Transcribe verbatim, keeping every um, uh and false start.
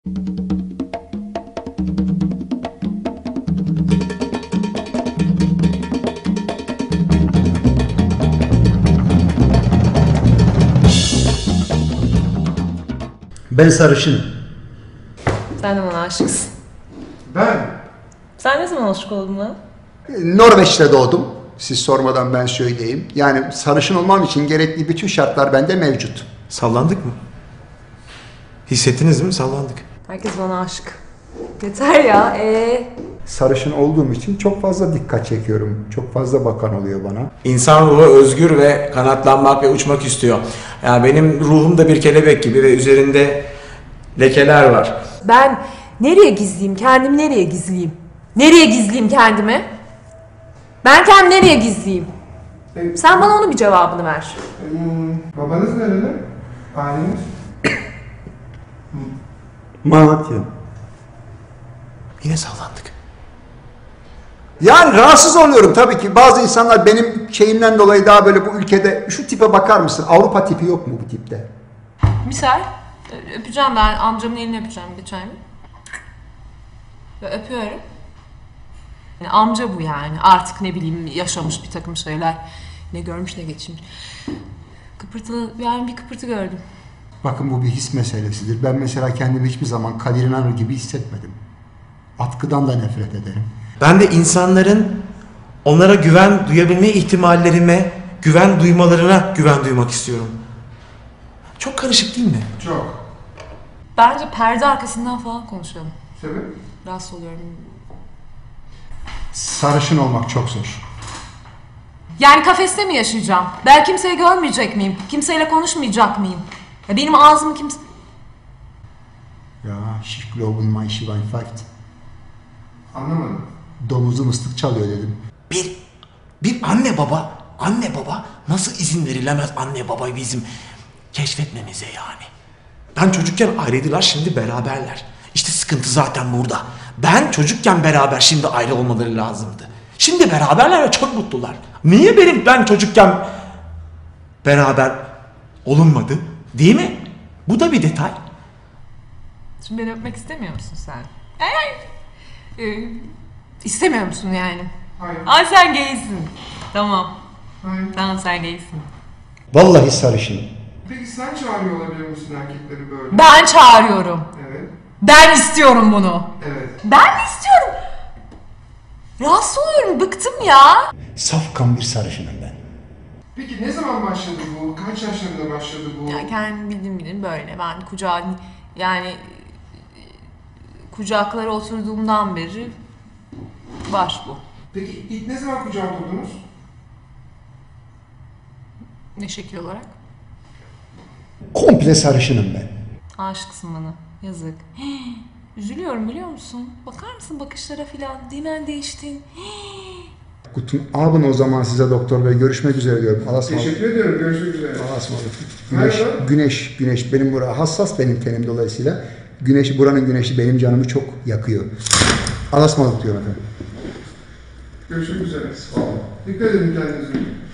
Ben sarışınım. Sen de bana aşıksın. Ben Sen ne zaman aşık oldun lan? Norveç'te doğdum. Siz sormadan ben söyleyeyim. Yani sarışın olmam için gerekli bütün şartlar bende mevcut. sallandık mı? Hissettiniz mi? Sallandık. Herkes bana aşık. Yeter ya. Ee. Sarışın olduğum için çok fazla dikkat çekiyorum. Çok fazla bakan oluyor bana. İnsan ruhu özgür ve kanatlanmak ve uçmak istiyor. Yani benim ruhum da bir kelebek gibi ve üzerinde lekeler var. Ben nereye gizleyeyim? Kendimi nereye gizleyeyim? Nereye gizleyeyim kendimi? Ben kendimi nereye gizleyeyim? E, Sen bana onun bir cevabını ver. hmm, babanız nerede? Aileniz? Malatya. Yine sallandık. Yani rahatsız oluyorum tabii ki. Bazı insanlar benim şeyimden dolayı daha böyle bu ülkede şu tipe bakar mısın? Avrupa tipi yok mu bu tipte? Misal öpeceğim ben amcamın elini öpeceğim geçen gün. Ve öpüyorum. Yani amca bu yani. Artık ne bileyim yaşamış bir takım şeyler. Ne görmüş ne geçirmiş. Kıpırtılı yani bir kıpırtı gördüm. Bakın bu bir his meselesidir. Ben mesela kendimi hiçbir zaman Kadir İnanır gibi hissetmedim. Atkıdan da nefret ederim. Ben de insanların onlara güven duyabilme ihtimallerime, güven duymalarına güven duymak istiyorum. Çok karışık değil mi? Çok. Bence perde arkasından falan konuşalım. Sebep? Rahatsız oluyorum. Sarışın olmak çok zor. Yani kafeste mi yaşayacağım? Ben kimseyi görmeyecek miyim? Kimseyle konuşmayacak mıyım? Ya benim ağzımı kimse... Ya, ich glaube mein Schwein pfeift. Anlamadım. Domuzum ıslık çalıyor dedim. Bir, bir anne baba, anne baba nasıl izin verilemez anne baba bizim keşfetmemize yani. Ben çocukken ayrıydılar, şimdi beraberler. İşte sıkıntı zaten burada. Ben çocukken beraber, şimdi ayrı olmaları lazımdı. Şimdi beraberler ve çok mutlular. Niye benim ben çocukken beraber olunmadı? Değil mi? Bu da bir detay. Şimdi beni öpmek istemiyor musun sen? Ay, ee, istemiyor musun yani? Hayır. Ay sen gaysin. Tamam. Hayır. Tamam sen gaysin. Vallahi sarışınım. Peki sen çağırıyor olabilir misin erkekleri böyle? Ben çağırıyorum. Evet. Ben istiyorum bunu. Evet. Ben mi istiyorum? Rahatsız oluyorum, bıktım ya. Safkan bir sarışınım ben. Peki ne zaman başladı bu? Kaç yaşlarında başladı bu? Ya kendim bildim bilin böyle. Ben kucağa yani kucaklara oturduğumdan beri var bu. Peki ilk ne zaman kucağa oturdunuz? Ne şekil olarak? Komple sarışınım ben. Aşıksın bana. Yazık. Hii, üzülüyorum biliyor musun? Bakar mısın bakışlara filan? Dimen değiştin. Hii. Guten Abend o zaman size doktor bey. Görüşmek üzere diyorum. Allah'a ısmarladık. Teşekkür ediyorum. Görüşmek üzere. Allah'a ısmarladık. Güneş, Merhaba. güneş, güneş. Benim bura hassas benim tenim dolayısıyla. Güneş, buranın güneşi benim canımı çok yakıyor. Allah'a ısmarladık diyorum efendim. Görüşmek üzere. Dikkat edin kendinize.